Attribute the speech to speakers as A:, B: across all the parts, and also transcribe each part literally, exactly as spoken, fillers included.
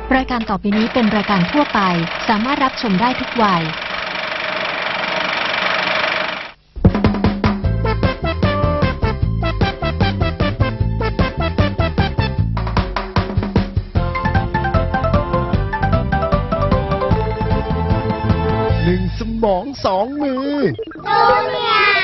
A: รายการต่อไปนี้เป็นรายการทั่วไปสามารถรับชมได้ทุกวัย
B: หนึ่งสมองสองมือจูเนียร์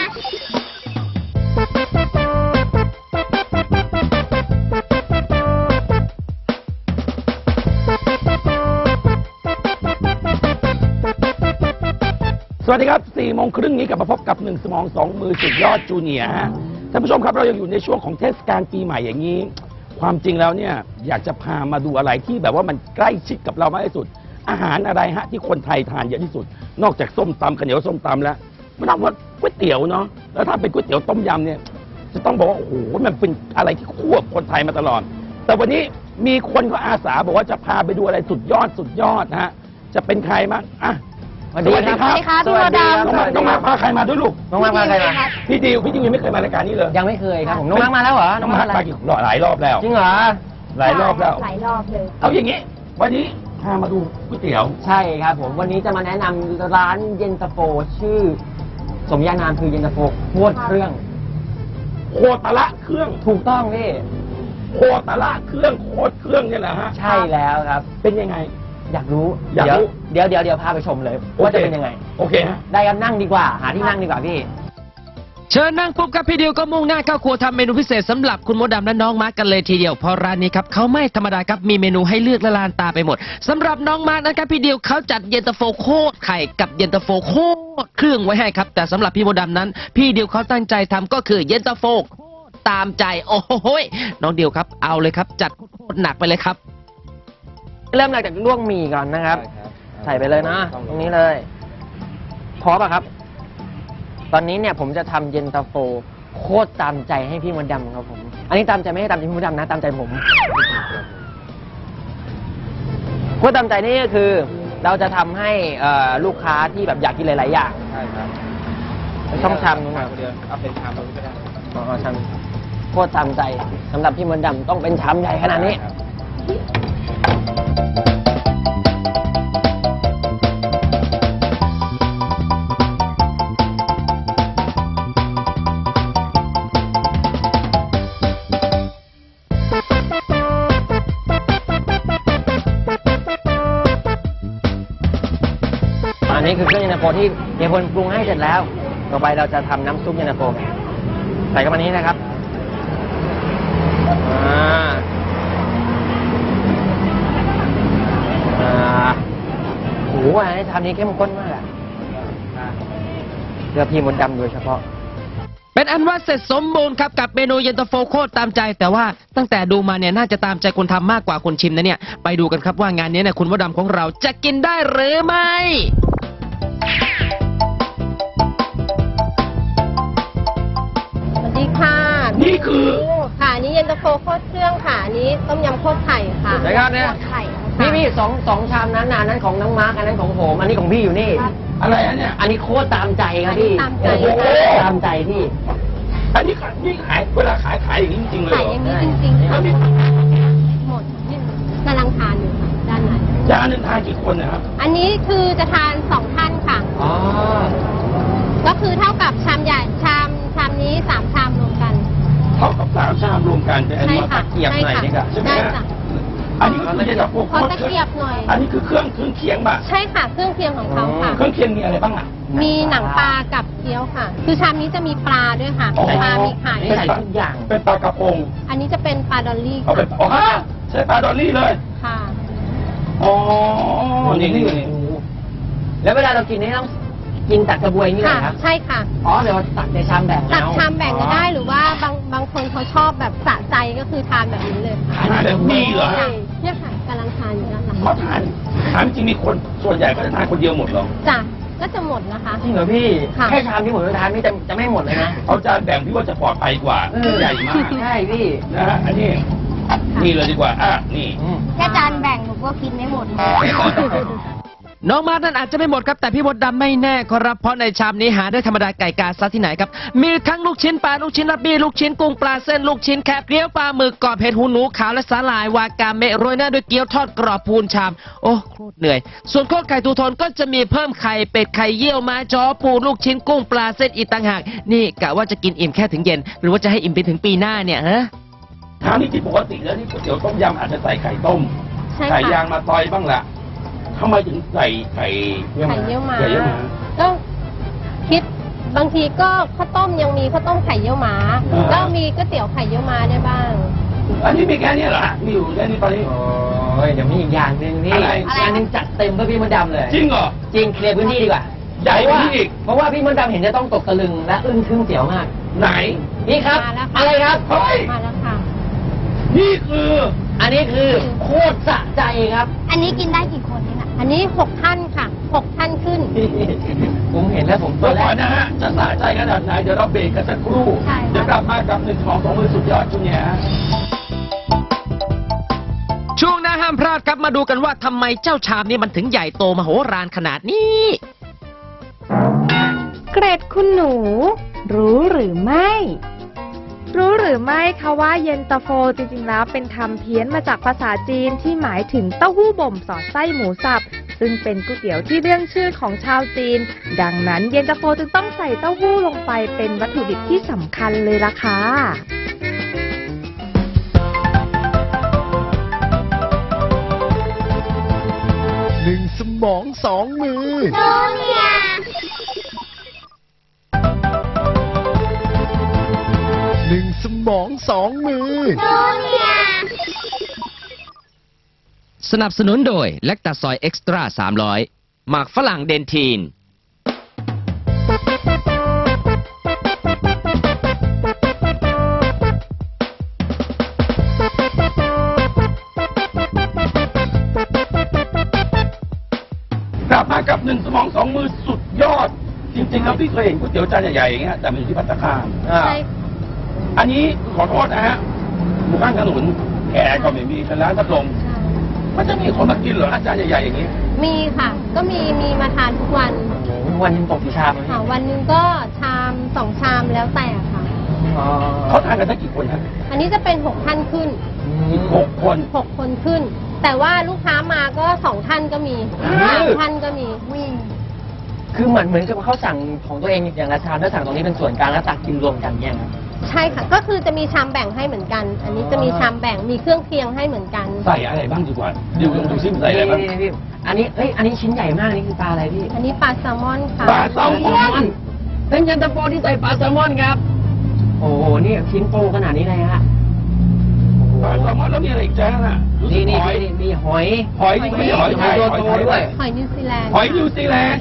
C: สวัสดีครับสี่โมงครึ่งนี้กลับมาพบกับหนึ่งสมองสองมือสุดยอดจูเนียร์ฮะท่านผู้ชมครับเรายังอยู่ในช่วงของเทศกาลปีใหม่อย่างนี้ความจริงแล้วเนี่ยอยากจะพามาดูอะไรที่แบบว่ามันใกล้ชิดกับเรามากที่สุดอาหารอะไรฮะที่คนไทยทานเยอะที่สุดนอกจากส้มตำข้าวเหนียวส้มตำแล้วมันต้องว่าก๋วยเตี๋ยวเนาะแล้วถ้าเป็นก๋วยเตี๋ยวต้มยำเนี่ยจะต้องบอกว่าโอ้โหมันเป็นอะไรที่คู่กับคนไทยมาตลอดแต่วันนี้มีคนก็อาสาบอกว่าจะพาไปดูอะไรสุดยอดสุดยอดนะฮะจะเป็นใครมั้งอ่ะสวัสดีครับ
D: สวัสดีครับพี่โมดำ
C: น้องมาน้องมาพาใครมาด้วยลูก
D: น้องมาร์คมาใครมา
C: พี่ดิวพี่ดิวยังไม่เคยมารายการนี้เลย
D: ยังไม่เคยครับผมน้องมาร์คมาแล้วเหรอ
C: น้องมามากี่หลายรอบแล้ว
D: จริงเหรอ
C: หลายรอบแล้ว
E: หลายรอบเลย
C: เอาอย่างงี้วันนี้พามาดูก๋วยเตี๋ยว
D: ใช่ครับผมวันนี้จะมาแนะนำร้านเย็นตาโฟชื่อ สมญานามคือเย็นตาโฟโคตรเครื่อง
C: โคตรละเครื่อง
D: ถูกต้องพี่
C: โคตรละเครื่องโคตรเครื่องเนี่ยแหละฮะ
D: ใช่แล้วครับ
C: เป็นยังไง
D: อยากรู้
C: อยากรู้
D: เดี๋ยวเดี๋ยวเดี๋ยวพาไปชมเลยว่าจะเป็นยังไง
C: โอเคฮะ
D: ได้ครับนั่งดีกว่า หาที่นั่งดีกว่าพี่
F: เชิญนั่งปุ๊บครับพี่ดิวก็มุ่งหน้าเข้าครัวทำเมนูพิเศษสำหรับคุณมดดำและน้องมาร์กกันเลยทีเดียวเพราะร้านนี้ครับเขาไม่ธรรมดาครับมีเมนูให้เลือกละลานตาไปหมดสำหรับน้องมาร์กนะครับพี่ดิวเขาจัดเย็นตาโฟโคตรไข่กับเย็นตาโฟโคตรเครื่องไว้ให้ครับแต่สำหรับพี่มดดำนั้น พี่ดิวเขาตั้งใจทำก็คือเย็นตาโฟโคตรตามใจโอ้โหยน้องดิวครับเอาเลยครับจัดโคตรหนักไปเลยครับ
D: เริ่มจากลวกหมี่ก่อนนะครับ ใส่ไปเลยนะ ตรงนี้เลยพร้อมป่ะครับ ตอนนี้เนี่ยผมจะทำเย็นตาโฟโคตรตามใจให้พี่มดดำครับผม อันนี้ตามใจไม่ให้ตามใจพี่มดดำนะ ตามใจผมโคตรตามใจนี่ก็คือ เราจะทำให้เอ่อลูกค้าที่แบบอยากกินหลายๆอย่าง
G: ใช่ครับ
D: ช่องชามนู้นนะ
G: เดียวเอาเป็นชามนู้นก็ได้
D: อ๋อชามโคตรตามใจสำหรับพี่มดดำต้องเป็นชามใหญ่ขนาดนี้ อันนี้คือเครื่องเย็นตาโฟที่เฮียพลปรุงให้เสร็จแล้ว ต่อไปเราจะทำน้ำซุปเย็นตาโฟใส่เข้ามานี้นะครับอ่าอ่าโอ้โหอันนี้ทำนี้เข้มข้นมากอะเพื่อพี่มดดำโดยเฉพาะ
F: เป็นอันว่าเสร็จสมบูรณ์ครับกับเมนูเย็นตาโฟโคตรตามใจ แต่ว่าตั้งแต่ดูมาเนี่ยน่าจะตามใจคนทำมากกว่าคนชิมนะเนี่ยไปดูกันครับว่างานนี้เนี่ยคุณมดดำของเราจะกินได้หรือไม่
E: สวัสดีค่ะ
C: นี่คือ
E: ค่ะอันนี้เย็นตาโฟโคตรเครื่องค่ะอันนี้ต้มยำโคตรไข่ค่ะ
D: ไหนครับเนี่ย
E: โคตรไข่ค่ะ
D: พี่พี่สองสองชามนั้นนะอันนั้นของน้องมาร์กอันนั้นของผมอันนี้ของพี่อยู่นี่
C: อะไรอันเนี้ย
D: อันนี้โคตรตามใจครับพี่
E: ตามใจ
C: โอ้โห
D: ตามใจพี่
C: อันนี้ขายนี่ขายเวลาขายขายอย่างนี้จริงๆเลย
E: ไข่
C: เหรอ
E: อย่างนี้จริงๆค่ะ
C: อันนี้
E: หมดนี่กำลังทานอยู่ค่ะด้านใน
C: จานหนึ่งทานกี่คนนะครับ
E: อันนี้คือจะทานสองท่านค่ะ
D: อ๋อ
E: ก็คือเท่ากับชามใหญ่ชามชามนี้สามชามรวมกัน
C: เท่ากับสามชามรวมกันเป็นอัน
E: ใช่
C: นี้
E: ค่ะ
D: เกียบหน่อยนี่ค่ะ
C: ใช่ไหม
E: ได้
C: ฮะ
E: จ้ะ
C: อันนี้ก็คือเย็นตาโฟโค
E: ขอ
C: ตร
E: ตะเกียบหน่อย
C: อันนี้คือเครื่องเครื่องเคียงป่ะ
E: ใช่ค่ะเครื่องเคียงของเขาค่ะ
C: เครื่องเคียงมีอะไรบ้างอ่ะ
E: มีหนังปลากับเกี๊ยวค่ะ คือชามนี้จะมีปลาด้วยค่ะ
C: อ๋อ
E: ปลา มีไข่
D: นี่ใส่ทุกอย่าง
C: เป็นปลากระพง
E: อันนี้จะเป็นปลาดอลลี่
C: เอาเป็นอ๋อใช้ปลาดอลลี่เลย
E: ค่ะ
C: อ๋อนี่นี่นี่
D: แล้วเวลาเรากินนี่ต้องกินตักกระบวยนี่เลย
E: ค่ะ
D: ครับ
E: ใช่ค่ะ
D: อ๋อเดี๋ยวตักในชามแบ่ง
E: ตัก
D: เอา
E: ชามแบ่งก็ได้หรือว่าบางบางคนเขาชอบแบบสะใจก็คือทานแบบนี้เลยค่ะ
C: ทานแบบนี้เหรอ
E: ใช่เนี่ยค่ะกำลังทานอยู่ด้านหลัง
C: เขาทานถามจริงมีคนส่วนใหญ่ก็จะทานคนเดียวหมดเหรอ
E: จ้ะก็จะหมดนะคะ
D: จริงเหรอพี่
E: ค่ะ
D: แค่ชามที่ผมจะทานนี่จะจะไม่หมดเลยนะ
C: เอาจานแบ่งพี่ว่าจะปลอดภัยกว่า
D: เออ
C: ใหญ่มาก
D: ใช่พี่
C: นะฮะอันนี้นี่เลยดีกว่าอ่ะนี่
D: อืม
E: แค่จานแบ่งหนูก็กินไม่หมด
F: น้องมาร์ทนั้นอาจจะไม่หมดครับแต่พี่มดดำไม่แน่ครับเพราะในชามนี้หาได้ธรรมดาไก่กาซะที่ไหนครับมีทั้งลูกชิ้นปลาลูกชิ้นลับบี้ลูกชิ้นกุ้งปลาเส้นลูกชิ้นแคบเกี๊ยวปลาหมึกกรอบเห็ดหูหนูขาวและสาหร่ายวากาเมะโรยหน้าด้วยเกี๊ยวทอดกรอบพูนชามโอ้โคตรเหนื่อยส่วนโคตรไก่ทูทนก็จะมีเพิ่มไข่เป็ดไข่เยี่ยวม้าจ้อปูลูกชิ้นกุ้งปลาเส้นอีกต่างหากนี่กะว่าจะกินอิ่มแค่ถึงเย็นหรือว่าจะให้อิ่มไปถึงปีหน้าเนี่ยฮะ
C: ทางนี้ที่ปกติแล้วนี่ก๋วยเตี๋ยวต้มยำอาจจะใส่ไข่ต้ม
E: ใช่
C: ไข่
E: ค่ะ
C: ยางมาซอยบ้างละทำไมถึงใส่ไข่
E: ไข่เยี่ยวม้า
C: ไข่เยี่ยวม้า
E: ก็คิดบางทีก็ข้าวต้มยังมีข้าวต้มไข่เยี่ยวม้า
C: อ่า
E: ก็มีก๋วยเตี๋ยวไข่เยี่ยวม้าได้บ้าง
C: อันนี้มีแค่นี้เหรอฮะมีอยู่แค่นี้ตอนนี้
D: โอ้ยเดี๋ยวมีอีกอย่างหนึ่งนี่
C: อะไร
D: อีกอย่างหนึ่งจัดเต็มเพื่อพี่มดดำเลย
C: จริงเหรอ
D: จริงเคลียร์พื้นที่ดีกว่า
C: ใหญ่กว่านี้อีก
D: เพราะว่าพี่มดดำเห็นจะต้องตกตะลึงและอึ้งทึ่งเสียวมาก
C: ไหน
D: นี่ครับ
E: มาแล้วค่ะ
D: อะไรครับ
C: เฮ้ย
E: มาแล้วค่ะ
C: นี่คือ
D: อันนี้คือโคตรสะใจครับ
E: อันนี้กินได้กี่คนนี่นะอันนี้หกท่านค่ะหกท่านขึ้น
D: ผมเห็นแล้วผมตั
C: ตัว ว
D: แร
C: ก่อน
D: ก
C: นะฮะจะสะใจขนาดไหนเดี๋ยวเราเบรกกันสักครู่
E: ใช่ค่ะ
C: เดี๋ยวกลับมากับหนึ่งของสองมือสุดยอดจุนเนี่ยฮะ
F: ช่วงหน้าห้ามพลาดครับมาดูกันว่าทำไมเจ้าชามนี้มันถึงใหญ่โตมโหฬารขนาดนี้
G: เกรดคุณหนู รู้หรือไม่ รู้หรือไม่คะว่าเย็นตาโฟจริงๆแล้วเป็นคำเพี้ยนมาจากภาษาจีนที่หมายถึงเต้าหู้บ่มสอดไส้หมูสับ ซึ่งเป็นก๋วยเตี๋ยวที่เรื่องชื่อของชาวจีน ดังนั้นเย็นตาโฟจึงต้องใส่เต้าหู้ลงไปเป็นวัตถุดิบที่สำคัญเลยล่ะค่ะ
B: หนึ่งสมองสองมือ หนึ่งสมองสองมือ
F: สนับสนุนโดยแลคตาซอยเอ็กซ์ตร้าสามร้อยหมากฝรั่งเดนทีน
C: กลับมากับหนึ่งสมองสองมือสุดยอด จริงๆแล้วพี่เคยเห็นก๋วยเตี๋ยวจานใหญ่ๆอย่างเงี้ยแต่มันอยู่ที่ภัตตาคาร
D: อ่า
E: ใช่
C: อันนี้ขอโทษนะฮะหมู่บ้านถนนแขกก็ไม่มีเป็นร้านพัดลมมันจะมีคนมากินเหรออาจารย์ใหญ่ๆอย่างนี้
E: มีค่ะ ก็มีมีมาทานทุกวัน
D: วันหนึงตกกี่ชามอะ
E: ค่ะวันหนึ่งก็ชามสองชามแล้วแต่ค่ะ
D: อ๋อ
C: เขาทานกันได้กี่คนครับ
E: อันนี้จะเป็นหกท่านขึ้น
C: อีกหกคน
E: หกคนขึ้น แต่ว่าลูกค้ามาก็สองท่านก็มีสามท่านก็มี
D: คือเหมือนเหมือนกับเขาสั่งของตัวเองอย่างละชามแล้วสั่งตรงนี้เป็นส่วนกลางแล้วตักกินรวมกันเนี่ยครับ
E: ใช่ค่ะ ก็คือจะมีชามแบ่งให้เหมือนกัน อันนี้จะมีชามแบ่งมีเครื่องเคียงให้เหมือนกัน
C: ใส่อะไรบ้างดีกว่าดูลองดูซิมันใส่อะไรบ้าง
D: นี่นี่พี่อันนี้เอ้ยอันนี้ชิ้นใหญ่มากนี่คือปลาอะไรพี่
E: อันนี้ปลาแซลมอนค่ะ
C: ปลาแซลมอน
D: เป็นเย็นตาโฟที่ใส่ปลาแซลมอนครับ โอ้โหนี่ชิ้นโตขนาดนี้เลยฮะ
C: ปลาแซลมอนแล้วมีอะไรอีกจ้าน่ะรู้สึ
D: นี่
C: ก
D: นี่
C: หอย
D: นี่มีหอย
C: หอยนี่ไม่ใช่หอยไทย
D: ห
C: ห
D: อ
C: อย ย
D: ตัว
C: ไท
D: โต
C: ย
D: ด้วย
E: หอยนิวซีแลนด์
C: หอยนิวซีแลนด์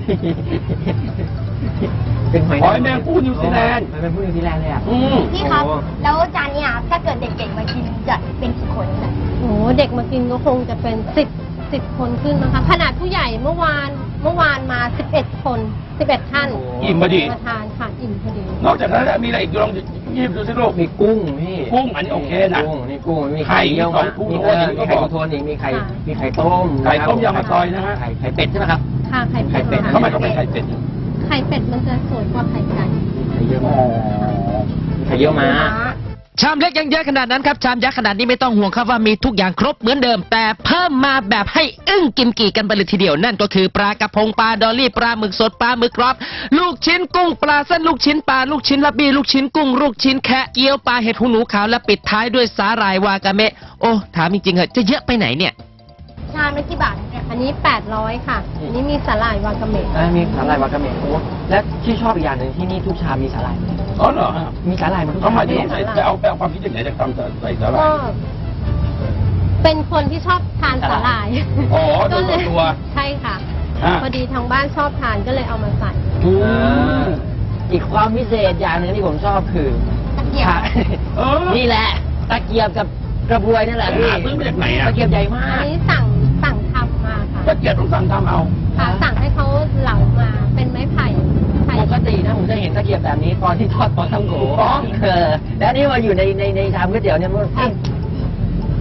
D: เป็นหอย
C: หอยแมงผู้นิวซีแลนด์
D: หอยแมงผู้นิวซีแลนด์เลยอ่ะ
C: อืม
H: พี่ครับ
D: โอ้
H: แล้วจานเนี้ยถ้าเกิดเด็กๆมากินจะเป็นกี่คนนะ
E: โอ้โหเด็กมากินก็คงจะเป็นสิบสิบคนขึ้นนะคะขนาดผู้ใหญ่เมื่อวานเมื่อวานมาสิบเอ็ดคนสิบเอ็ดท่าน
C: อิ่มพอดี
E: มาทานค่ะอิ่มพอดี
C: นอกจากนั้นแล้วมีอะไรอีกลองหยิบดูสิลูก
D: มีกุ้งพี่
C: กุ้งอันนี้โอเคนะ
D: กุ้งนี่กุ้งมี
C: ไข่
D: ไข่เยี่ยว
C: สอ
D: มาง
C: ทู
D: มี
C: โท
D: เอน อ
C: อย่างนี้
D: มี
C: ก็
D: ไข่
C: บอก
D: ทูโทนอีกมีไข่
E: ค่ะ
D: มีไข่ต้ม
C: ไข่ต้มยำมาซอยนะฮะ
D: ไข่ไข่เป็ดใช่ไหมครับ
E: ค่ะไข่
D: ไข่เป็
E: เป็
D: ด
E: ด
C: ทำไมต้องเป็นไข่เป็ด
E: ไข่เป็ดมันจะสวยกว่าไข่ไก่
D: ไข่เยี่ยวม้าไข่เยี่ยวม้า
F: ชามเล็กยังเยอะขนาดนั้นครับชามยักษ์ขนาดนี้ไม่ต้องห่วงครับว่ามีทุกอย่างครบเหมือนเดิม แต่เพิ่มมาแบบให้อึ้งกิมกี่กันไปเลยทีเดียวนั่นก็คือปลากระพงปลาดอลลี่ปลาหมึกสดปลาหมึกกรอบลูกชิ้นกุ้งปลาเส้นลูกชิ้นปลาลูกชิ้นลับบี้ลูกชิ้นกุ้งลูกชิ้นแคะเกี๊ยวปลาเห็ดหูหนูขาวและปิดท้ายด้วยสาหร่ายวากาเมะโอ้ถามจริงๆเหอะจะเยอะไปไหนเนี่ย
H: ชามละกี่บาทเนี่ย
E: อันนี้แปดร้อยค่ะ อันนี้มีสาหร่ายวากาเมะ
D: อ่ามีสาหร่ายวากาเมะโอ้และที่ชอบอีกอย่างหนึ่งที่นี่ทุกชามมีสาหร่าย
C: อ๋อเหรอฮะ
D: มีสาหร่ายหมดทุก
C: ทำ
D: ชาม
C: ไม
D: เล
C: ถึ
D: ย
C: งใส่ไปเอาไปเอาความคิดจากไหนจากทำใส่สาหร่า
E: ก็
C: ย
E: เป็นคนที่ชอบทานสาหร่าย
C: อ๋อโดยส่วนตัว
E: ใช่ค่ะ
C: ฮะ
E: พอดีทางบ้านชอบทานก็เลยเอามาใส่
C: อื
D: อ่าม อีกความพิเศษอย่างหนึ่งที่ผมชอบคือ
H: ตะเกียบ
D: ค่ะ
C: เออ
D: นี่แหละตะเกียบกับกระบวยนั่นแหละพี่
C: หาซื้อมาจากไหนอะ
D: ตะเกียบใหญ่มา
E: อั
D: ก
E: นนี้สั่งสั่งทำมาค่ะ
C: ตะเกียบต้องสั่งทำเอา
E: ค่ะสั่งให้เขาเหลามาเป็นไม้ไผ่ไผ่
D: ปกตินะผมจะเห็นตะเกียบแบบนี้ตอนที่ทอดปลาท่องโก
C: อ๋อ
D: เออแล้วนี่มาอยู่ในในในชามก๋วยเตี๋ยวเนี่ยมันเอ๊ะ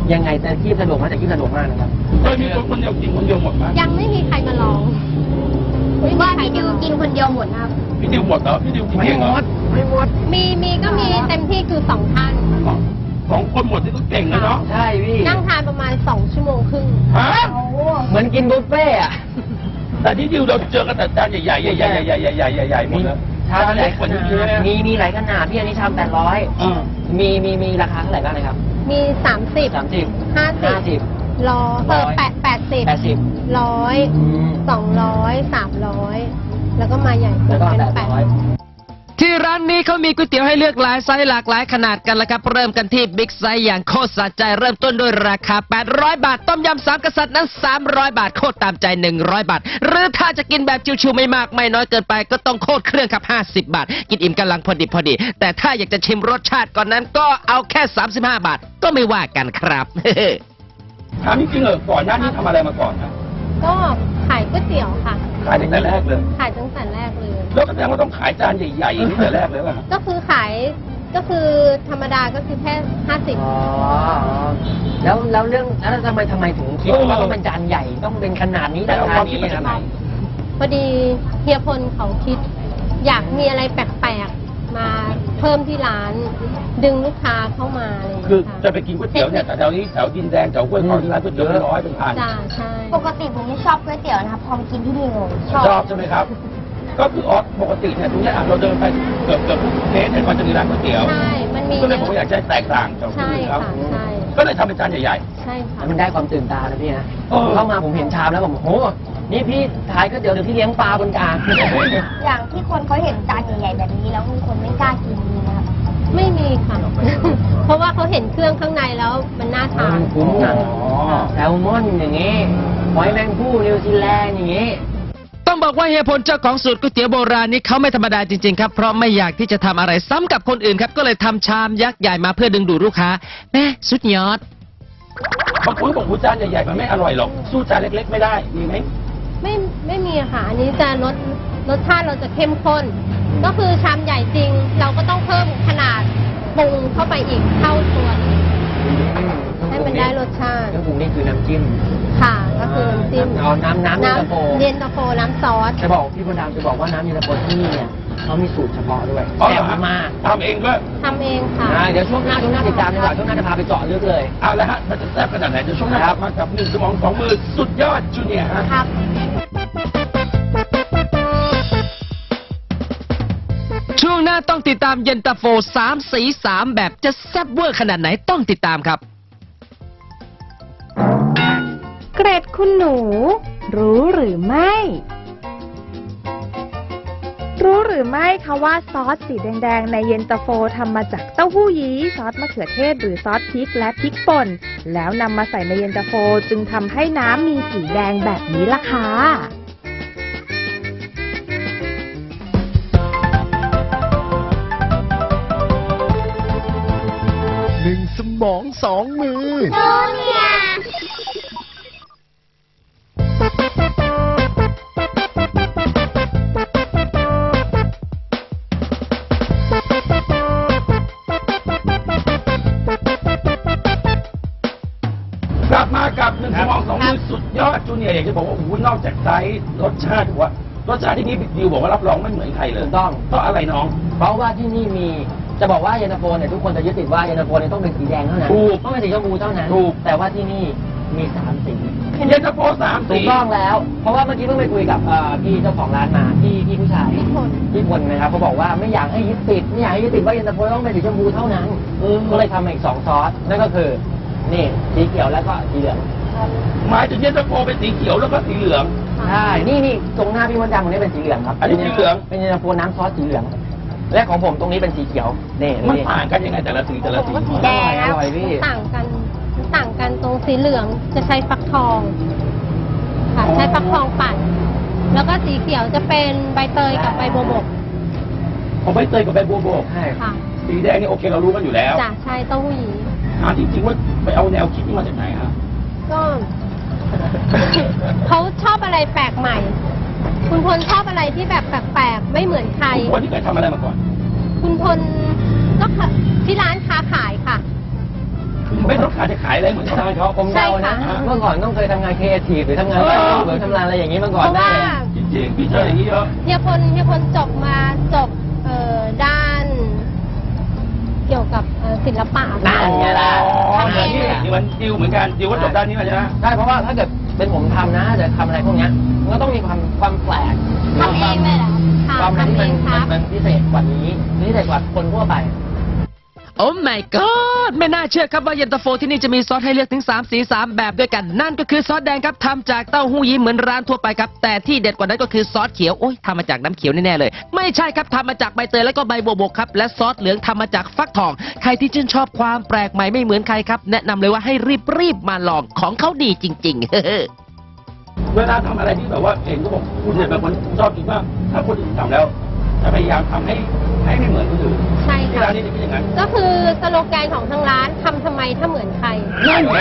D: ยังไงแต่ที่สะดวกมากแต่ที่สะดวกมากนะครับ
C: เคยมีคนคนเดียวกินคนเดียวหมดไหม
E: ยังไม่มีใครมาลองไม่มี
H: ว่า
E: ใคร
H: พี่ดิว
E: มาลอง
H: กินคนเดียวหมดนะครับ
C: พี่ดิวหมดเหรอพี่ดิวกิน
D: ไม่
C: เอง
D: ห
C: เหร
D: ม
C: อ
D: ดไม่หมด
E: มีมีก็มีเต็มที่คือสองท่าน
C: สองคนหมดที่ก็เก่งนะเนาะ
D: ใช่พี่
E: นั่งทานประมาณสองชั่วโมงครึ่ง
C: ฮะ
H: โอ้โห
D: เหมือนกินบุฟเฟ่ต์อะ
C: แต่ที่ดิวเราเจอกันแต่จานใหญ่ๆใหญ่ๆใหญ่ๆใหญ่ๆใหญ่ๆใหญ่ๆใหญ่ๆหมดเลย
D: ชาม
C: จาน
D: ห
C: เล็
D: ลาก ย
C: ก
D: ข
C: ว่านี้
D: นา
C: เยอะ
D: ด
C: นะ
D: มีมีหลายขนาดพี่อันนี้ชามแปดร้อย
C: เออ
D: มีมีมีราคาเท่าไหร่บ้างนะครับ
E: มีสามสิบ
D: สามสิบ
E: ห้าสิบ
D: ห้าสิบ
E: ร้อยเออแปดแปดสิบ
D: แปดสิบ
E: ร้อยสองร้อยสามร้อยแล้วก็มาใหญ่
D: แล้วก็
E: เป็น
D: แปด
E: แปด
D: ร้อย
F: ที่ร้านนี้เขามีก๋วยเตี๋ยวให้เลือกหลายไซส์หลากหลายขนาดกันละครับ เริ่มกันที่บิ๊กไซส์อย่างโคตรสะใจเริ่มต้นด้วยราคา แปดร้อย บาท ต้มยำสามกษัตริย์นั้น สามร้อย บาท โคตรตามใจ หนึ่งร้อย บาท หรือถ้าจะกินแบบชิวๆไม่มากไม่น้อยเกินไปก็ต้องโคตรเครื่องครับ ห้าสิบบาท กินอิ่มกำลังพอดีพอดี แต่ถ้าอยากจะชิมรสชาติก่อนนั้นก็เอาแค่ สามสิบห้า บาท ก็ไม่ว่ากันครับ
C: ถามจริงๆเหรอก่อนหน้านี้ทำอะไรมาก่อนนะ
E: ก็ขายก๋วยเตี๋ยวค่ะ
C: ขายตั้งแต่แรกเลย
E: ขายตั้งแต่แรกเลย
C: แล้วก็แสดงว่าต้องขายจานใหญ่ๆอย่างนี้แต่แรกเลยป่ะ
E: ก็คือขายก็คือธรรมดาก็คือแค่ห้าสิบ
D: อ๋อแล้วแล้วเรื่องแล้วทำไมทำไมถึงคิดว่าต้องเป็นจานใหญ่ต้องเป็นขนาดนี้
C: แต่เอา
D: รา
C: ค
D: คาว
C: ามคิด
D: นี้
C: มาจากไหน
E: พอดีเฮียพลเขาคิด อยากมีอะไรแปลกๆมาเพิ่มที่ร้าน ดึงลูกค้าเข้ามาอะไรอย่าง
C: คือ
E: เงี้ย
C: จะไปกินก๋วยเตี๋ยวเนี่ยแต่แถวนี้แถวดินแดงแถวห้วยขวางที่ร้านก๋วยเตี๋ยวเป็นร้อยเป็นพัน
E: จ้าใช่
H: ปกติผมไม่ชอบก๋วยเตี๋ยวนะครับ พอมากินที่นี่ผมชอบ
C: ชอบใช่ไหมครับ ก็คือออสปกติเนี่ยตรงเนี้ยอ่ะเราเดินไปเกือบเกือบทุกเคสเนี่ยมันจะมีร้านก๋วยเตี๋ยว
E: ใช่มันมี
C: ก็เลยผมอยากจะแตกต่างจากคน
E: ใช่
C: อื่นเขา
E: ค่ะใช่
C: ก็เลยทำเป็นจานใหญ่
E: ใช่ค่ะ
D: แล้วมันได้ความตื่นตานะพี่นะ
C: เออ
D: เข้ามาผมเห็นชามแล้วผมโอ้โหนี่พี่ขายก๋วยเตี๋ยวหรือพี่เลี้ยงปลาบนกลาง
H: อย่างที่คนเขาเห็นจานใหญ่ๆแบบนี้แล้วมีคนไม่กล้ากินมีนะครับ
E: ไม่มีค่ะ เพราะว่าเขาเห็นเครื่องข้างในแล้วมันน่าทาน
D: คุ้มนะ
C: อ๋อ
D: แซลมอนอย่างงี้หอยแมงผู้นิวซีแลนด์อย่างงี้
F: ต้องบอกว่าเฮียพลเจ้าของสูตรก๋วยเตี๋ยวโบราณนี้เขาไม่ธรรมดาจริงๆครับ เพราะไม่อยากที่จะทำอะไรซ้ำกับคนอื่นครับ ก็เลยทำชามยักษ์ใหญ่มาเพื่อดึงดูดลูกค้าแม่สุดยอด
C: บางคนบอกว่าจานใหญ่ๆมันไม่อร่อยหรอกสู้จานเล็กๆไม่ได้มีไหม
E: ไม่ไม่มีค่ะ อันนี้จะรสรสชาติเราจะเข้มข้น ก็คือชามใหญ่จริง เราก็ต้องเพิ่มขนาดปรุงเข้าไปอีกเท่าตัวหนึ่งให้มันได้รสชาติ
D: เครื่องปรุงนี่คือน้ำจิ้ม
E: ค่ะ ก็คือน้ำจิ้ม
D: เอาน้ำน้ำเย็นตาโฟ
E: เย็นตาโฟน้ำซอส
D: จะบอกพี่พลดำจะบอกว่าน้ำเย็นตาโฟที่นี่เนี่ยเขามีสูตรเฉพาะด้วย
C: อ๋อ
D: แซ่
C: เหรอบ
D: มาก
C: ทำเองด้วย
E: ทำเองค่ะ
D: อ่าเดี๋ยวช่วงหน้าช่วงหน้าติดตามดีกว่าช่วงหน้าจะพาไปเจาะลึกเลย
C: เอาละฮะมันจะแซ่บขนาดไหนเดี๋ยวช่วงหน้ากลับมากับหนึ่งสมองสองมือสุดยอดจูเนียร์ฮะ
E: ครับ
F: ช่วงหน้าต้องติดตามเย็นตาโฟสามสีสามแบบจะแซ่บเวอร์ขนาดไหนต้องติดตามครับ
G: เกรดคุณหนู รู้หรือไม่ รู้หรือไม่คะว่าซอสสีแดงๆในเย็นตาโฟทำมาจากเต้าหู้ยี้ซอสมะเขือเทศหรือซอสพริกและพริกป่นแล้วนำมาใส่ในเย็นตาโฟจึงทำให้น้ำมีสีแดงแบบนี้ล่ะค่ะ
B: หนึ่งสมองสองมือ
H: จูเนียร์
C: กลับมากับหนึ่งสมองสองมือสุดยอดจูเนียร์อยากจะบอกว่าโอ้โหนอกจากไซส์รสชาติว่ารสชาติที่นี่ดิวบอกว่ารับรองไม่เหมือนใครเลย
D: ถูกต้อง
C: เพราะอะไรน้อง
D: เพราะว่าที่นี่มีจะบอกว่าเย็นตาโฟเนี่ยทุกคนจะยึดติดว่าเย็นตาโฟเนี่ยต้องเป็นสีแดงเท่านั้น
C: ถูก
D: ต้องเป็นสีชมพูเท่านั้น
C: ถูก
D: แต่ว่าที่นี่มีสามสี
C: เย็นตาโฟสาม
D: ถู
C: สี
D: กต้องแล้ว เพราะว่าเมื่อกี้เพิ่งไปคุยกับเอ่อพี่เจ้าของร้านมาพี่พี่ผู้ชาย
E: พี่พล
D: พี่พลนะครับเขาบอกว่าไม่อยากให้ยึดติดไม่อยากให้ยึดติดว่าเย็นตาโฟต้องเป็นสีชมพูเท่านั้นก็เลยทำมาอีกสองซอสนั่นก็คือนี่สีเขียวแล้วก็สีเหลือง
C: หมายถึงเย็นตาโฟเป็นสีเขียวแล้วก็สีเหลือง
D: ใช่นี่นี่ตรงหน้าพี่มดดำตรงนี้เป็นสีเหลืองครับ
C: อันนี้สีเหลือง
D: เป็นเย็นตาโฟน้ำซอสสีเหลือง และของผมตรงนี้เป็นสีเขียวนี่
C: มัน
D: นี่
C: ต่างกันยังไงแต่ละสีแต่ละสี
E: ผมว่าสีแดง
D: อร่อยพี่
E: ต่างกันมันต่างกันตรงสีเหลืองจะใช้ฟักทอง ค่ะใช้ฟักทองปั่น แล้วก็สีเขียวจะเป็นใบเตยกับใบบัวบก
C: ของใบเตยกับใบบัวบก
D: ใช่
E: ค่ะ
C: สีแดงนี่โอเคเรารู้กันอยู่แล้ว
E: จ้ะใช่เต้าหู้ยี้
C: ถามจริงๆว่าไปเอาแนวคิดนี้มาจากไหนฮะ
E: ก็ เขาชอบอะไรแปลกใหม่ คุณพลชอบอะไรที่แบบแปลกๆไม่เหมือนใคร
C: คนที่เคยทำอะไรมาก่อน
E: คุณพลก็ค่ะที่ร้านค้าขายค่ะ
C: คือไม่ต้องการจะขายอะไรเหมือนชาวบ้านเขา
D: ผมเดานะ
E: ใช่ค่ะ
D: เมื่อก่อนต้องเคยทำงานครีเอทีฟหรือทำงาน
C: เออ
D: หรือทำงานอะไรอย่างนี้มา
E: เพ
D: ก่อน
E: ราะ
D: ได้
E: ว่า
D: เลย
C: จริงๆพี่เจออย่างนี้เยอะ
E: เฮียพลเฮียพลจบมาจบเอ่อด้าน เกี่ยวกับเอ่อศิลปะ
D: นั่นไงล่ะ
C: อ๋อ
E: ทำเอง
C: นี่นี่มันดิวเหมือนกันดิวก็จบด้านนี้มาใช่ไหม
D: ใช่เพราะว่าถ้าเกิดเป็นผมทำนะจะทำอะไรพวกเนี้ยมันก็ต้องมีความความแปลก
E: ทำเองเลยเหรอคะ
D: ความอะไรที่
E: ทำเอ
D: มัน
E: งครับ
D: มันพิเศษกว่านี้พิเศษกว่าคนทั่วไป
F: โอ้ my god ไม่น่าเชื่อครับว่าเย็นตาโฟที่นี่จะมีซอสให้เลือกถึงสามสีสามแบบด้วยกัน นั่นก็คือซอสแดงครับทำจากเต้าหู้ยี้เหมือนร้านทั่วไปครับ แต่ที่เด็ดกว่านั้นก็คือซอสเขียวโอ้ยทำมาจากน้ำเขียวแน่ๆเลย ไม่ใช่ครับทำมาจากใบเตยแล้วก็ใบบัวบกครับและซอสเหลืองทำมาจากฟักทอง ใครที่ชื่นชอบความแปลกใหม่ไม่เหมือนใครครับแนะนำเลยว่าให้รีบๆมาลองของเขาดีจริงๆ
C: เวลาทำอะไรที่แบบว่าเห็นก็บอกคุณเนี่ยเป็นคนชอบกินมากถ้าคนอื่นทำแล้วจะพยายามทำให้ให้ไม่เหมือนคนอื่น
E: ใช่
C: ที่
E: ค่ะ
C: ร้านนี้จะเป็นอย่างนั้น
E: ก็คือสโลแกนของทางร้านทำทำไมถ้าเหมือนใคร
C: นั่นไง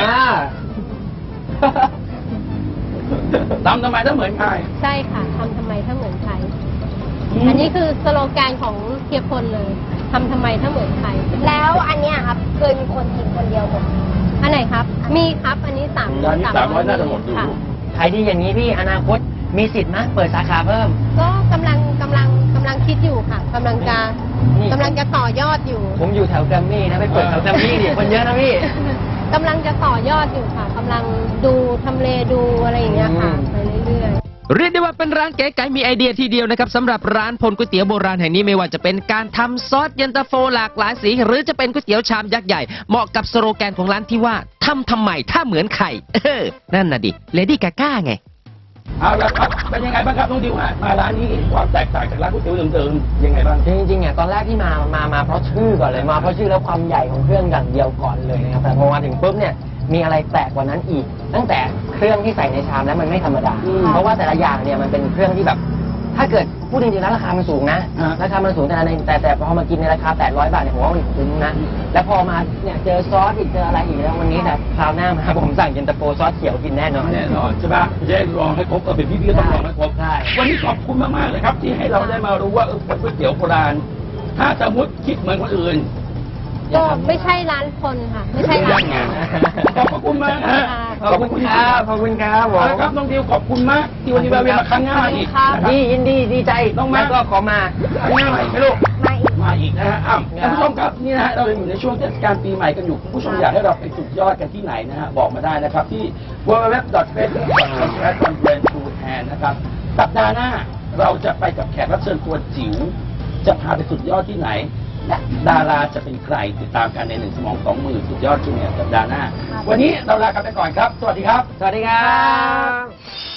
C: ทำทำไมถ้าเหมือนใคร
E: ใช่ค่ะทำทำไมถ้าเหมือนใคร
C: อืม
E: อันนี้คือสโลแกนของเฮียพลเลยทำทำไมถ้าเหมือนใคร
H: แล้วอันเนี้ยครับเคยมีคนกินคนเดียวหมด
E: อันไหนครับ มีครับอันนี้สาม
C: ร้านนี้สามร้อยน่าจะหมดดู
E: ค่ะ
D: ใครที่อย่างนี้พี่อนาคตมีสิทธิ์ไหมเปิดสาขาเพิ่ม
E: ก็กำลังกำลังกำลังคิดอยู่ค่ะกำลังจะ
D: นี่
E: กำลังจะต่อยอดอยู่
D: ผมอยู่แถวแกรมมี่นะไปเปิดแถวแกรมมี่ดิคนเยอะนะพี่
E: กำลังจะต่อยอดอยู่ค่ะกำลังดูทำเลดูอะไรอย่างเงี้ยค่ะ
D: อืม
E: ไปเรื่อยๆ
F: เรียกได้ว่าเป็นร้านเก๋ไก๋มีไอเดียทีเดียวนะครับสำหรับร้านพลก๋วยเตี๋ยวโบราณแห่งนี้ไม่ว่าจะเป็นการทำซอสเย็นตาโฟหลากหลายสี หรือจะเป็นก๋วยเตี๋ยวชามยักษ์ใหญ่เหมาะกับสโลแกนของร้านที่ว่าทำทำไมถ้าเหมือนไข่เออนั่นน่ะดิเลดี้กาก้าไง
C: เอาละครับเป็นยังไงบ้างครับน้องดิวฮะมาร้านนี้ความแตกต่างจากร้านก๋วยเตี๋ยวเดิมๆยังไงบ้าง
D: จริงๆเนี่ยตอนแรกที่มา มา มาเพราะชื่อก่อนเลย มาเพราะชื่อแล้วความใหญ่ของเครื่องอย่างเดียวก่อนเลยนะครับ แต่พอมาถึงปุ๊บเนี่ย มีอะไรแปลกกว่านั้นอีก ตั้งแต่เครื่องที่ใส่ในชามแล้วมันไม่ธรรมดา
C: อืม
D: เพราะว่าแต่ละอย่างเนี่ยมันเป็นเครื่องที่แบบ ถ้าเกิดพูดจริงๆแล้วราคามันสูงนะ
C: อ่า
D: ราคามันสูงแต่ในแต่แต่พอมากินในราคาแปดร้อยบาทเนี่ยผมว่ามันคุ้มนะ แล้วพอมาเนี่ยเจอซอสอีกเจออะไรอีกแล้ววันนี้แต่คราวหน้ามาผมสั่งเย็นตาโฟซอสเขียวกินแน่นอน
C: แน่นอนใช่ปะจะได้ลองให้ครบเออเป็นพี่ๆก็ต้องลองให้ครบ
D: ใช่
C: วันนี้ขอบคุณมากๆเลยครับที่ให้เราได้มารู้ว่าเออก๋วยเตี๋ยวโบราณถ้าสมมติคิดเหมือนคนอื่น
E: ก็ไม่ใช่ร้านคนค่ะ ไม่ใช่ร้าน
C: ยังไงขอบพระคุณมากฮะ
D: ขอบคุณครับ ขอบคุณครับผม
C: เอาละครับน้องดิวขอบคุณมากที่วันนี้แวะเวียนมาครั้งหน้าอีก
E: ครับ
C: นะครับ
D: นี่ยินดีดีใจ
C: น้องมา
D: แล้วก็ขอมา
C: ครั้งหน้าใหม่ไม่รู้
H: มาอีก
C: มาอีกนะฮะอ้าวท่านผู้ชมครับนี่นะฮะเรายังอยู่ในช่วงเทศกาลปีใหม่กันอยู่คุณผู้ชมอยากให้เราไปสุดยอดกันที่ไหนนะฮะบอกมาได้นะครับที่ ดับเบิลยู ดับเบิลยู ดับเบิลยู ดอท เฟซบุ๊ก ดอท คอม สแลช คอนเฟรนซ์ ทู แทน นะครับสัปดาห์หน้าเราจะไปกับแขกรับเชิญตัวจิ๋วจะพาไปสุดยอดที่ไหนและดาราจะเป็นใครติดตามกันในหนึ่งสมองสองมือสุดยอดจูเนียร์สัปดาห์หน้า วันนี้เราลากันไปก่อนครับ สวัสดีครับ
D: สวัสดีครับ